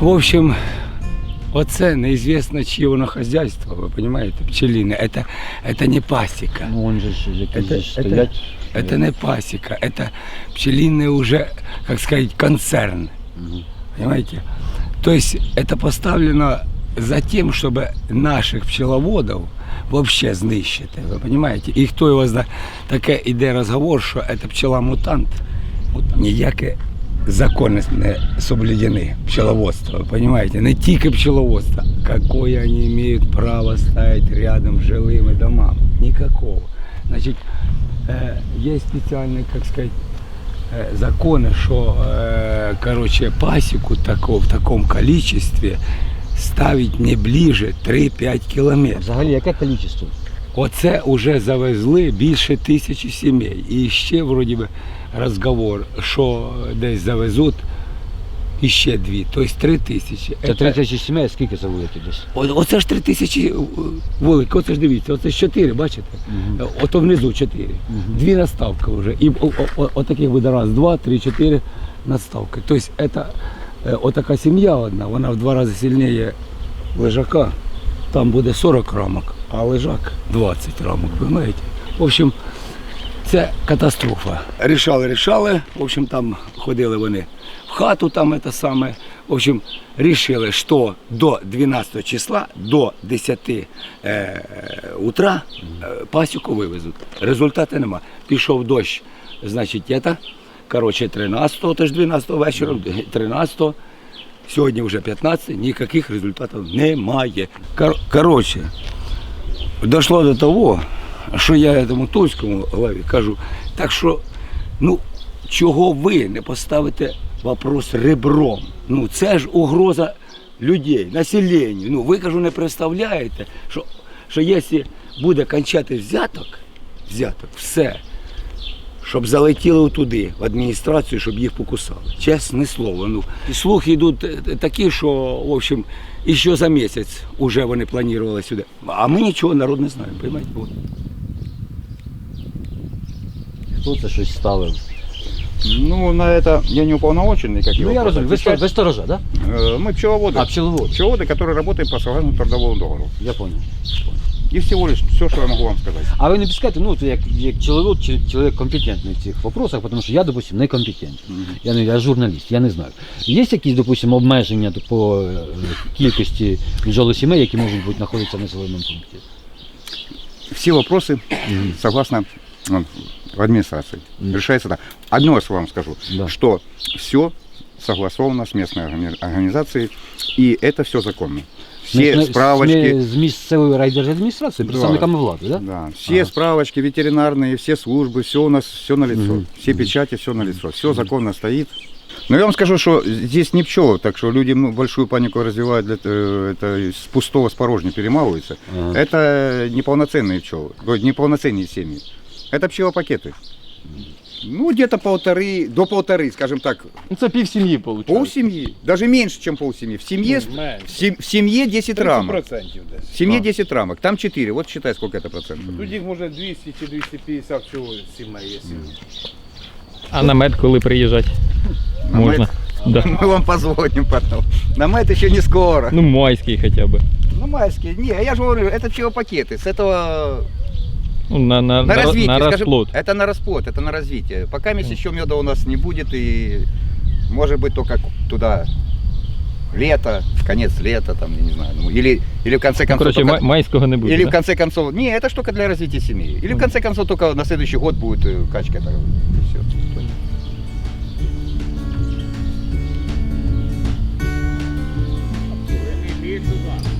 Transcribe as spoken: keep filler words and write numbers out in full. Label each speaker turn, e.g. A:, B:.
A: В общем, оце неізвісно, чье воно хозяйство, вы понимаете, пчелиное. Это, это не пасека.
B: Ну, он же, якісь
A: Это,
B: же стоять.
A: это, это не пасека, это пчелиный уже, как сказать, концерн.
B: Угу.
A: Понимаете? То есть это поставлено за тем, чтобы наших пчеловодов вообще знищити, ви розумієте? І хто його знає, таке іде розговор, що це пчела-мутант. Ніякі закони не соблюдені пчеловодства, ви розумієте? Не тільки пчеловодство. Какое вони мають право ставити рядом з жилими домами? Никакого. Значить, є спеціальні, як сказати, закони, що, короче, пасіку тако, в такому количестві ставить не ближе три-п'ять кілометрів.
B: Взагалі, яке кількість?
A: Оце вже завезли більше тисячі сімей. І ще, вроді би, розговор, що десь завезуть іще дві, тобто три тисячі.
B: Це три тисячі сімей, скільки це вулики десь?
A: О, оце ж три тисячі вулик, оце ж дивіться, оце ж чотири, бачите? Угу. Ото внизу чотири. Угу. Дві наставки вже. І отаких буде раз, два, три, чотири наставки. Тобто це отака сім'я одна, вона в два рази сильніше лежака. Там буде сорок рамок, а лежак двадцять рамок, розумієте? В общем, це катастрофа. Рішали, рішали, в общем, там ходили вони в хату, там це саме. В общем, рішили, що до дванадцятого числа, до десяти е, утра е, пасіку вивезуть. Результату нема. Пішов дощ, значить, це, коротше, тринадцятого, теж дванадцятого вечора, тринадцятого, сьогодні вже п'ятнадцятого, ніяких результатів немає. Кор, коротше, дійшло до того, що я цьому Тульському главі кажу, так що, ну, чого ви не поставите вопрос ребром? Ну, це ж угроза людей, населенню. Ну, ви, кажу, не представляєте, що, що якщо буде кончати взяток, взяток, все, щоб залетіли туди, в адміністрацію, щоб їх покусали. Чесне слово. Ну, слухи йдуть такі, що, в общем, і що за місяць вже вони планували сюди. А ми нічого, народ не знаємо, розумієте?
B: Хто це щось ставив?
C: Ну, на это я не уполномоченный, как его.
B: Ну, я разумею, вы, сто, вы сторожа, да?
C: Мы пчеловоды.
B: А, пчеловод.
C: Пчеловоды, которые работают по согласному трудовому договору.
B: Я понял.
C: И всего лишь все, что я могу вам сказать.
B: А ви не пускаєте, ну, як, як чоловік, чоловік компетентний в цих вопросах, тому що я, допустим, не компетентний. Mm-hmm. Я, не, я журналіст, я не знаю. Є якісь, допустим, обмеження по е, кількості бджолосімей, які можуть бути знаходитися в населеному пункті?
C: Все вопросы, mm-hmm. согласно ну, в администрации, mm-hmm. решается так. Одно я вам скажу, да. Что все согласовано с местной организацией, и это все законно. Все
B: Між,
C: справочки.
B: З місцевої райдержадміністрації,
C: да.
B: представниками влади, да?
C: Да. Все ага. справочки ветеринарные, все службы, все у нас, все на лицо. Угу. Все печати, все на лицо. Все законно стоит. Но я вам скажу, что здесь не пчелы, так что люди ну, большую панику развивают, для, это с пустого с порожней перемалывается. Ага. Это неполноценные пчелы, неполноценные семьи. Это пчелопакеты. Ну, где-то полторы, до полторы, скажем так.
B: Ну, это пів сім'ї, получается.
C: Пол семьи, даже меньше, чем пол семьи. В семье, ну, в, сем, в семье десять рамок. В семье а. десять рамок, там четыре, вот считай, сколько это процентов.
D: Тут їх може двісті чи двісті п'ятдесят всього сімей є.
E: А на мед коли приїжджати?
C: На
E: Можна?
C: Да. Мы вам позвоним потом. На мед еще не скоро.
E: Ну, майский хотя бы.
C: Ну, майский. Не, я же говорю, это пчелопакеты. С этого...
E: Ну, на, на,
C: на развитие,
E: на
C: скажем,
E: расплод.
C: Это на расплод, это на развитие. Пока месяц еще меда у нас не будет, и может быть только туда лето, конец лета, там, я не знаю, ну, или, или в конце концов...
E: Ну, короче,
C: только,
E: майского не будет,
C: или
E: да?
C: в конце концов... Не, это ж только для развития семьи. Или в конце концов только на следующий год будет качка. Так, и все.
D: Иди сюда.